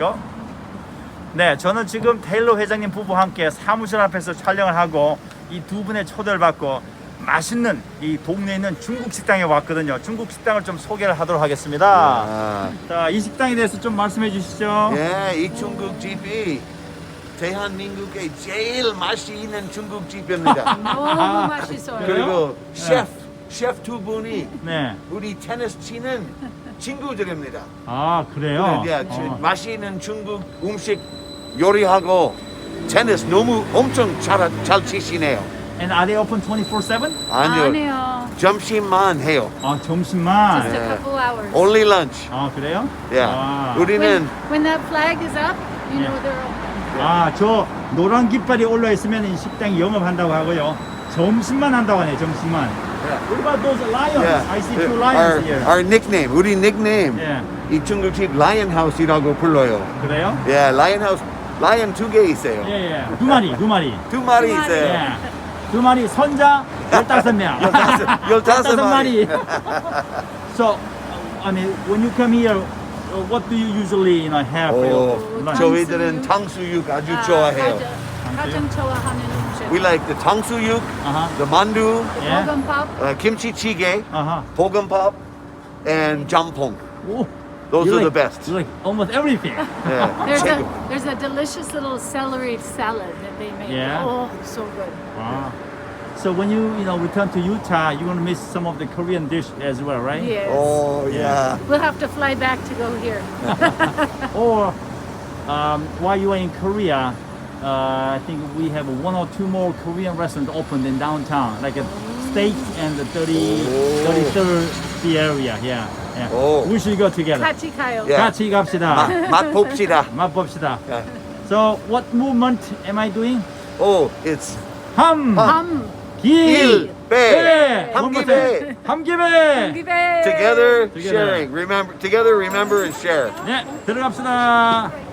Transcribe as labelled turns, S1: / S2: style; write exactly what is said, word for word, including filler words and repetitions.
S1: 거. 네, 저는 지금 테일러 회장님 부부와 함께 사무실 앞에서 촬영을 하고 이 두 분의 초대를 받고 맛있는 이 동네에 있는 중국 식당에 왔거든요. 중국 식당을 좀 소개를 하도록 하겠습니다.
S2: 아,
S1: 자, 이 식당에 대해서 좀 말씀해 주시죠.
S2: 예, 이 중국집이 대한민국의 제일 맛이 있는 중국집입니다.
S3: 너무 맛있어요.
S2: 그리고 셰프, 셰프 두 분이
S1: 네.
S2: 우리 테니스 치는 친구들입니다.
S1: 아, 그래요?
S2: 예,
S1: 어.
S2: 맛있는 중국 음식 요리하고 테니스 너무 엄청 잘, 잘 치시네요.
S1: And are they open twenty-four seven?
S2: 아니요,
S3: 아니요.
S2: 점심만 해요.
S1: 아, 점심만.
S3: Just a couple hours.
S2: Only lunch.
S1: 아, 그래요?
S2: 예,
S1: 아,
S3: When,
S2: 우리는
S3: when that flag is up, you
S1: Yeah.
S3: know they're open.
S1: 아, 저 노란 깃발이 올라 있으면 이 식당이 영업한다고 하고요. 점심만 한다고 하네요. 점심만. What about those lions?
S2: Yeah.
S1: I see two
S2: our,
S1: lions here.
S2: our nickname, 우리 닉네임
S1: 예.
S2: 이 중국집 라이언 하우스라고 불러요.
S1: 그래요?
S2: 예, 라이언 하우스, 라이언 두 개 있어요.
S1: 예, 예. 두 마리, 두 마리.
S2: 두 마리
S3: 두 마리.
S2: 있어요.
S1: 예. 두 마리 선자 열다섯 명.
S2: 열다섯- 열다섯 마리.
S1: So, I mean, when you come here, uh, what do you usually, you know, have for
S2: 오,
S1: your lunch?
S2: 저희들은 탕수육 아주
S3: 아,
S2: 좋아해요.
S3: 가장, 가장 좋아하는 음식.
S2: We like the 탕수육,
S1: 아하.
S2: the 만두,
S1: 예.
S3: 볶음밥.
S2: uh, kimchi찌개,
S1: 아하.
S2: 볶음밥, and jamppong.
S1: 오.
S2: Those
S1: You
S2: are the
S1: like-
S2: best.
S1: You like almost everything.
S2: 예,
S3: There's a
S2: 최고.
S3: there's a delicious little celery salad that they make.
S1: Yeah.
S3: Oh, so good.
S1: Wow. So when you, you know, return to Utah, you're gonna miss some of the Korean dish as well, right?
S3: Yes.
S2: Oh, yeah.
S3: We'll have to fly back to go here.
S1: Or um, while you are in Korea, uh, I think we have one or two more Korean restaurants opened in downtown, like a steak and the thirty,
S2: Oh.
S1: thirty-third the area. Yeah, yeah.
S2: Oh.
S1: We should go together.
S3: 같이 가요.
S2: Yeah.
S1: 같이 갑시다.
S2: 맛, 맛 봅시다.
S1: 맛봅시다.
S2: 예.
S1: So what movement am I doing?
S2: Oh, it's
S1: 함,
S3: 함.
S1: 길,
S2: 일, 배,
S1: One more
S2: 함기배.
S1: time. 함기배.
S3: 기대.
S2: Together,
S1: Together.
S2: sharing. Remember, together, remember, and share.
S1: 네, 들어갑시다.